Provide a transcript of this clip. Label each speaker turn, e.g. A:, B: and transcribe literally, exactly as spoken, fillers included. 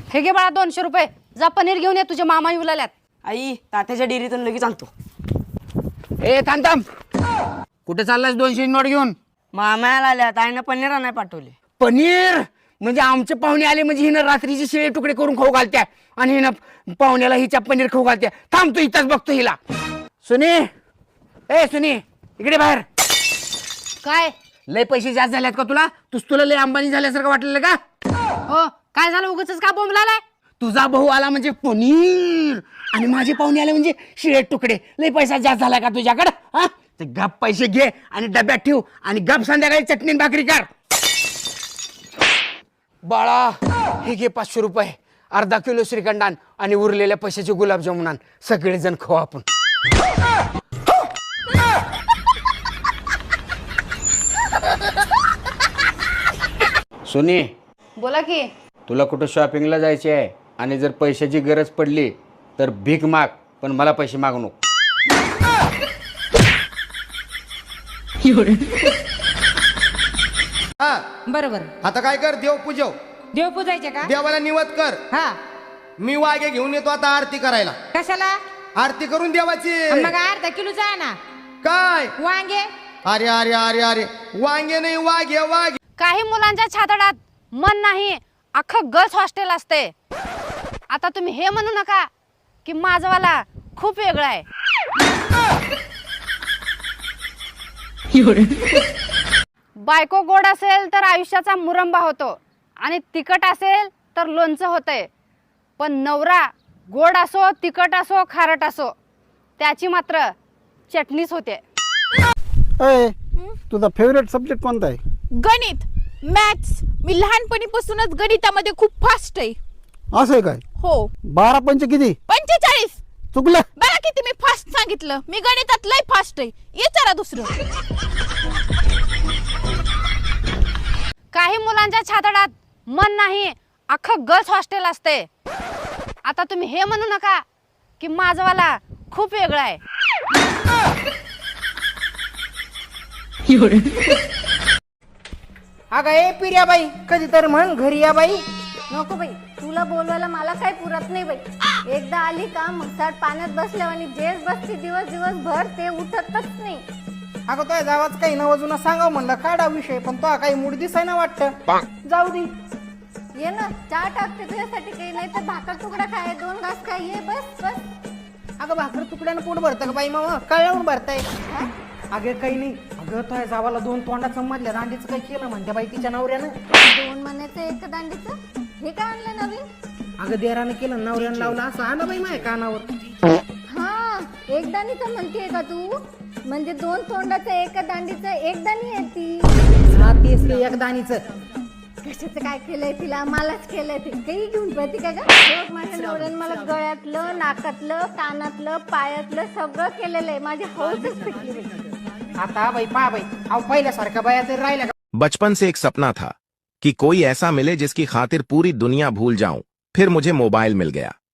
A: हे घे बाळा दोनशे रुपये, जा पनीर घेऊन ये, तुझ्या मामा येऊ लागल्यात.
B: आई तात्याच्या डेअरीतून लगेच आणतो.
C: ए थांब थांब, कुठे चाललास दोनशे नोट घेऊन?
B: मामाला आल्यात, आईनं पनीर आणाय पाठवले.
C: पनीर म्हणजे आमचे पाहुणे आले म्हणजे हिनं रात्रीचे शिळे तुकडे करून खाऊ घालत्या आणि हिनं पाहुण्याला हिच्या पनीर खाऊ घालत्या. थांब तू इथंच बघतो हिला. सुनी, ए सुनी इकडे बाहेर.
A: काय
C: लय पैसे जास्त झालेत का तुला? तुझ तुला लय अंबानी झाल्यासारखं वाटलेलं का?
A: हो, काय झालं उगाच का बोंबलालाय?
C: तुझा भाऊ आला म्हणजे पनीर आणि माझे पाहुणे आले म्हणजे शिळे तुकडे. लय पैसा जास्त झाला का तुझ्याकडं? हा, ते गप पैसे घे आणि डब्यात ठेव आणि गप संध्याकाळी चटणी आणि भाकरी कर. बाळा हे घे पाचशे रुपये, अर्धा किलो श्रीखंडान आणि उरलेल्या पैशाचे गुलाबजामुन आण. सगळेजण खाऊ आपण. सुनी,
A: बोला की.
C: तुला कुठं शॉपिंगला जायचे आहे आणि जर पैशाची गरज पडली तर भीक माग, पण मला पैसे मागू नको.
D: हा
E: बरोबर.
D: आता काय कर, देव पूजव,
E: देव पूजायचे का?
D: देवाला निवत कर.
E: हा,
D: मी वागे घेऊन येतो आता आरती करायला.
E: कशाला?
D: आरती करून देवाची.
E: मग अर्धा किलोचा आहे ना.
D: काय?
E: वांगे.
D: अरे अरे अरे अरे वांगे नाही, वाघे वाघे.
A: काही मुलांच्या छातडात मन नाही, अख्खं गर्ल्स हॉस्टेल असते. आता तुम्ही हे म्हणू नका की माझवाला खूप वेगळा आहे. बायको गोड असेल तर आयुष्याचा मुरंबा होतो आणि तिखट असेल तर लोणचं होतंय. पण नवरा गोड असो, तिखट असो, खारट असो, त्याची मात्र चटणीच होते.
F: अय, तुझा फेवरेट सब्जेक्ट कोणता आहे?
G: गणित, मॅथ्स. मी लहानपणीपासूनच गणितामध्ये खूप फास्ट आहे.
F: असं आहे काय?
G: हो.
F: बारा पंच किती?
G: पंचेचाळीस.
F: चुकलं.
G: बघा किती मी फास्ट सांगितलं. मी गणितात लय फास्ट आहे. विचारा दुसरं.
A: काही मुलांच्या छातडात मन नाही, अख्खं गर्ल्स हॉस्टेल असते. आता तुम्ही हे म्हणू नका की माझवाला खूप वेगळा आहे.
B: अगं ए पिर्या बाई, कधी तर म्हण घरी या बाई.
H: नको बाई, तुला बोलवायला मला काही पुरत नाही बाई. एकदा आली का मग साठ पाण्यात बसल्यावर आणि जेच बसते दिवस दिवसभर, ते उठतच नाही.
B: अगं तो जावाच काही नवजून सांगाव म्हणलं काढा विषय, पण तो काही मूड दिसाय ना वाटतं. जाऊ दे.
H: ये ना, चहा टाकते तुझ्यासाठी, काही नाही तर भाकर तुकडा खाय, दोन घास खाय, ये बस बस.
B: अगं भाकर तुकड्यानं पोट भरतं का बाई? मामा कळवून भरताय. अगं काही नाही. अगं तो जावाला दोन तोंडा समजल्या, दांडीचं काही केलं म्हणते बाई तिच्या नवऱ्यानं.
H: दोन महिन्याचं एक दांडीचं, हे काय आणलं नवीन?
B: अगं देरानं केलं, नवऱ्यानं लावलं, असं आलं बाई माझ्या कानावर.
H: हा, एक दाणीचं म्हणतेय का तू? म्हणजे दोन तोंडाचं एका दांडीचं एक दाणी आहे ती.
B: हा तेच ते एक दाणीचं.
H: कशाचं काय केलंय तिला? मलाच केलंय ते. काही घेऊन पळते का गं? माझ्या नवऱ्यानं मला गळ्यातलं, नाकातलं, कानातलं, पायातलं सगळं केलेलं आहे. माझी हौसच पिटली.
B: आता बाई पा बाई, अहो पहिल्यासारखं बाया तरी राहिल्या का?
I: बचपन से एक सपना था कि कोई ऐसा मिले जिसकी खातिर पूरी दुनिया भूल जाऊं. फिर मुझे मोबाइल मिल गया.